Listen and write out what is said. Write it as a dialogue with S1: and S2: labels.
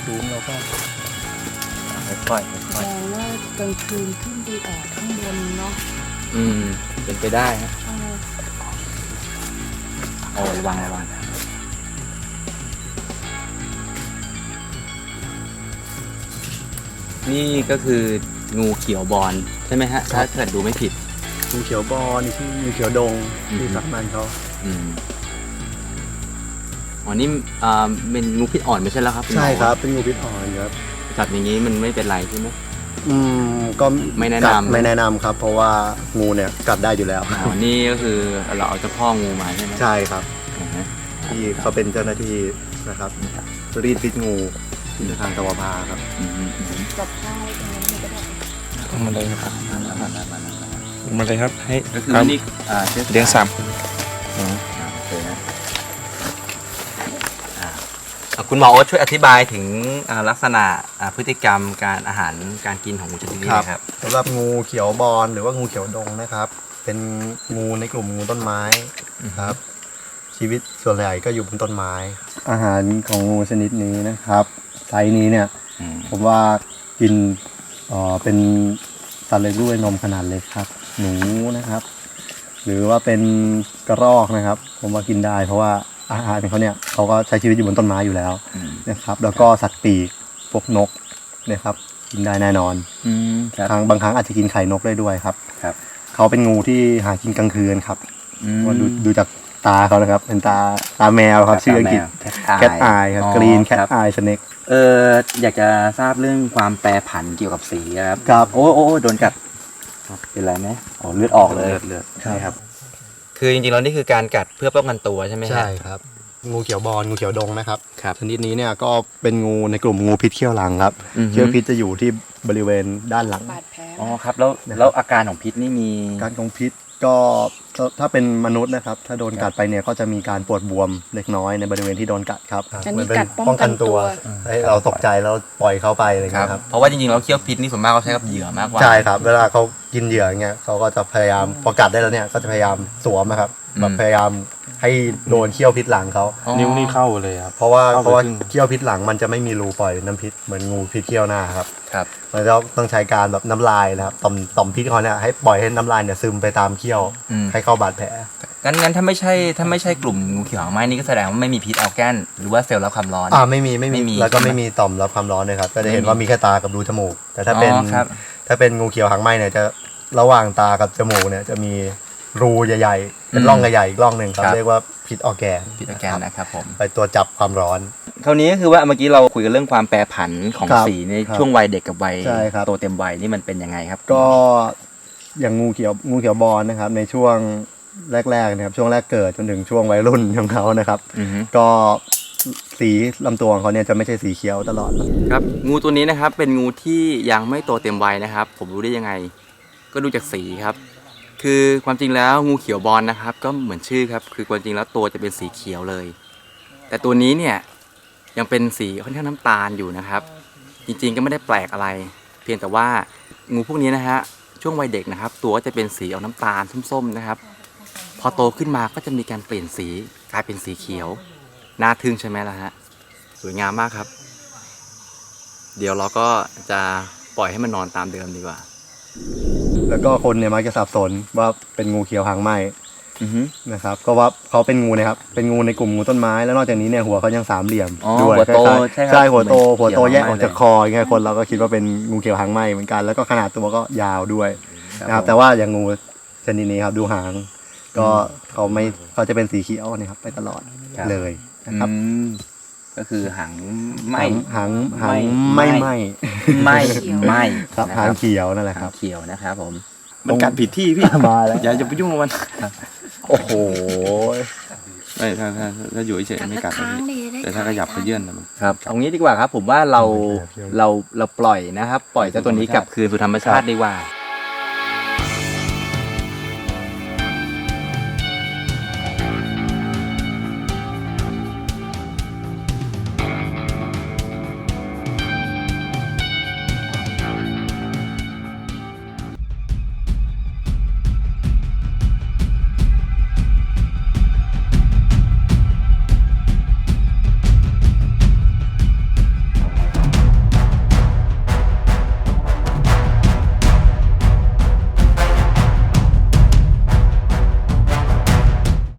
S1: สูงเราก็ค่อยๆ
S2: แสดงว่ากลางคืนขึ้นไปแอบข้างบนเนาะ
S1: เป็นไปได้ฮะ
S2: เออ
S1: โอ้ระวังนี่ก็คืองูเขียวบอลใช่ไหมฮะถ้าเกิดดูไม่ผิด
S3: งูเขียวบอนี่ที่งูเขียวดงที่สักมันเขา
S1: อ๋อนี่เป็นงูพิษอ่อนไม่ใช่แล้วครับณหมอ
S3: ใช่ครับเป็นงูพิษอ่อนครับ
S1: จับอย่างนี้มันไม่เป็นไรใช่ไหม
S3: ก็
S1: ไม่แนะนำ
S3: ไม่แนะนำครับ เพราะว่างูเนี่ยกัดได้อยู่แล้ว
S1: อ๋อนี่ก็คือเราเอาเจ้าพ่องูมาใช่ไหม
S3: ใช่ครับ
S1: อ่าฮะ
S3: ที่เขาเป็นเจ้าหน้าที่นะครับรีดพิษงูที่ทางตะวันพาครับ
S2: กับข้าวตรงนั้นมันก็ได้
S4: มาเลยครับมาเลยครับให้
S1: ก็คือ
S4: ครับ
S1: นี่
S4: เลี้ยงซ้
S1: โอเคนะคุณหมอโอ๊ตช่วยอธิบายถึงลักษณะพฤติกรรมการอาหารการกินของงูชนิดนี้นะครับ
S3: สำหรับงูเขียวบอลหรือว่างูเขียวดงนะครับ เป็นงูในกลุ่มงูต้นไม้ครับ ชีวิตส่วนใหญ่ก็อยู่บนต้นไม้ อาหารของงูชนิดนี้นะครับไซส์นี้เนี่ย ผมว่ากินเป็นสัตว์เลี้ยงลูกด้วยนมขนาดเล็กครับ หนูนะครับ หรือว่าเป็นกระรอกนะครับ ผมว่ากินได้ เพราะว่าอาหารของเขาเนี่ยเขาก็ใช้ชีวิตอยู่บนต้นไม้อยู่แล้วนะครับ แล้วก็สัตว์ปีกพวกนกนะครับ กินได้แน่นอนบางครั้งอาจจะกินไข่นกได้ด้วยครับ เขาเป็นงูที่หากินกลางคืนครับว่าดูจากตาเขานะครับ เป็นตาแมวครับชื่ออังกฤษแคทอายครับกรีนแคทอายสเน็ก
S1: อยากจะทราบเรื่องความแปรผันเกี่ยวกับสีครับ
S3: ครับ
S1: โอ้โดนกัดเป็นไรไหมอ๋อเลือดออกเลยเลือดใช่ครับ คือจริงๆแล้วนี่คือการกัดเพื่อป้องกันตัวใช่ไหมฮะ
S3: ใช่ครับ งูเขียวบอลงูเขียวดงนะครับ
S1: ครับ
S3: ชนิดนี้เนี่ยก็เป็นงูในกลุ่มงูพิษเขี้ยวหลังครับ
S1: อือฮึ
S3: เขี้ยวพิษจะอยู่ที่บริเวณด้านหลัง
S2: บาดแผล
S1: อ๋อครับแล้วอาการของพิษนี่มี
S3: การของพิษก็ถ้าเป็นมนุษย์นะครับ ถ้าโดนกัดไปเนี่ยก็จะมีการปวดบวมเล็กน้อยในบริเวณที่โดนกัดครับ
S2: อันนี้กัดป้องกันตัว
S3: ให้เราตกใจแล้วปล่อยเขาไปอะไรอย่างเงี้ยครับ
S1: เพราะว่าจริงๆแล้วเขี้ยวพิษนี่ส่วนมากเขาใช้กับเหยื่อมากกว่า
S3: ใช่ครับ เวลาเขากินเหยื่ออย่างเงี้ยเขาก็จะพยายามพอกัดได้แล้วเนี่ยก็จะพยายามสวมนะครับแบบพยายามให้โดนเขี้ยวพิษหลังเขา
S4: ำนิ้วนี่เข้าเลยครับ
S3: เพราะว่า
S4: เข้าไปครึ่ง
S3: เขี้ยวพิษหลังมันจะไม่มีรูปล่อยน้ำพิษเหมือนงูพิษเขี้ยวหน้าครับ
S1: ครับ
S3: มันจะต้องใช้การแบบน้ำลายนะครับต่อมพิษเขาเนี่ยให้ปล่อยให้น้ำลายเนี่ยซึมไปตามเขี้ยวให้เข้าบาดแผล
S1: งั้นถ้าไม่ใช่กลุ่มงูเขียวหางไหม้นี่ก็แสดงว่าไม่มีพิษอัลแกนหรือว่าเซลล์รับความร้อน
S3: ไม่มี
S1: ไม่มี
S3: แล้วก็ไม่มีต่อมรับความร้อนเลยครับก็จะเห็นว่ามีแค่ตากับรูจมูก แต่ถ้าเป็น
S1: อ๋อครับ
S3: ถ้าเป็นงูเขียวหางไหม้เนี่ยจะระหว่างตากับจมูกเนี่ยจะมีรูใหญ่ๆเป็นร่องใหญ่ๆอีกร่องหนึ่งครับเรียกว่าพิษออร์แกน
S1: พิษอัลแกนนะครับผม
S3: ไปตัวจับความร้อน
S1: คราวนี้ก็คือว่าเมื่อกี้เราคุยกันเรื่องความแปรผันของ
S3: ครับ
S1: สีใน
S3: ครับ
S1: ช่วงวัยเด็กกับวัย
S3: ใช่ครับ
S1: โตเต็มวัยนี่มันเป็นยังไงครับ
S3: ก็อย่างงูเขียวบอลนะครับในช่วงแรกๆนะครับช่วงแรกเกิดจนถึงช่วงวัยรุ่นของเขานะครับ
S1: อือฮึ
S3: ก็สีลำตัวของเขาเนี่ยจะไม่ใช่สีเขียวตลอด
S1: ครับงูตัวนี้นะครับเป็นงูที่ยังไม่โตเต็มวัยนะครับ ผมรู้ได้ยังไง ก็ดูจากสีครับ คือความจริงแล้วงูเขียวบอลนะครับ ก็เหมือนชื่อครับคือความจริงแล้วตัวจะเป็นสีเขียวเลย แต่ตัวนี้เนี่ยยังเป็นสีค่อนข้างน้ำตาลอยู่นะครับ จริงๆก็ไม่ได้แปลกอะไร เพียงแต่ว่างูพวกนี้นะฮะช่วงวัยเด็กนะครับ ตัวก็จะเป็นสีออกน้ำตาลส้มๆนะครับ พอโตขึ้นมาก็จะมีการเปลี่ยนสีกลายเป็นสีเขียวน่าทึ่งใช่ไหมล่ะฮะสวยงามมากครับ เดี๋ยวเราก็จะปล่อยให้มันนอนตามเดิมดีกว่า
S3: แล้วก็คนเนี่ยมักจะสับสนว่าเป็นงูเขียวหางไหม้นะครับก็ว่าเขาเป็นงูนะครับเป็นงูในกลุ่มงูต้นไม้แล้วนอกจากนี้เนี่ยหัวเขายังสามเหลี่ยม
S1: อ๋อ
S3: ด้วย
S1: หัวโต
S3: คล้ายๆ
S1: ใช่ครับ
S3: ใช่หัวโต
S1: เหมือน
S3: แยกออก
S1: เขียวหางไหม้
S3: จากคออย่างเงี้ยคนเราก็คิดว่าเป็นงูเขียวหางไหม้เหมือนกันแล้วก็ขนาดตัวก็ยาวด้วยนะครับ
S1: ผม
S3: แต่ว่าอย่างงูชนิดนี้ครับดูหาง ก็เขาจะเป็นสีเขียวนะครับไปตลอดเลยนะครับ
S1: ก็คือหางไหม
S3: หาง
S1: ไม่
S3: ไม่
S1: ไหม
S3: ครับ
S1: นะ
S3: หางเขียวนั่นแหละค
S1: หา
S3: รั
S1: ง
S3: บ
S1: เขียวนะครับผม
S4: มันกัดผิดที่พี่
S3: มาแล้ว
S4: อย่าไปยุ่งกับมัน
S3: โอ้โห
S4: ไม่ถ้าอยู่เฉยๆไม่กัดนะพี่แต่ถ้าขยับไปเยื่อนน่ะมัน
S1: ครับเอางี้ดีกว่าครับ ผมว่าเราปล่อยนะครับ ปล่อยเจ้าตัวนี้กลับคืนสู่ธรรมชาติดีกว่า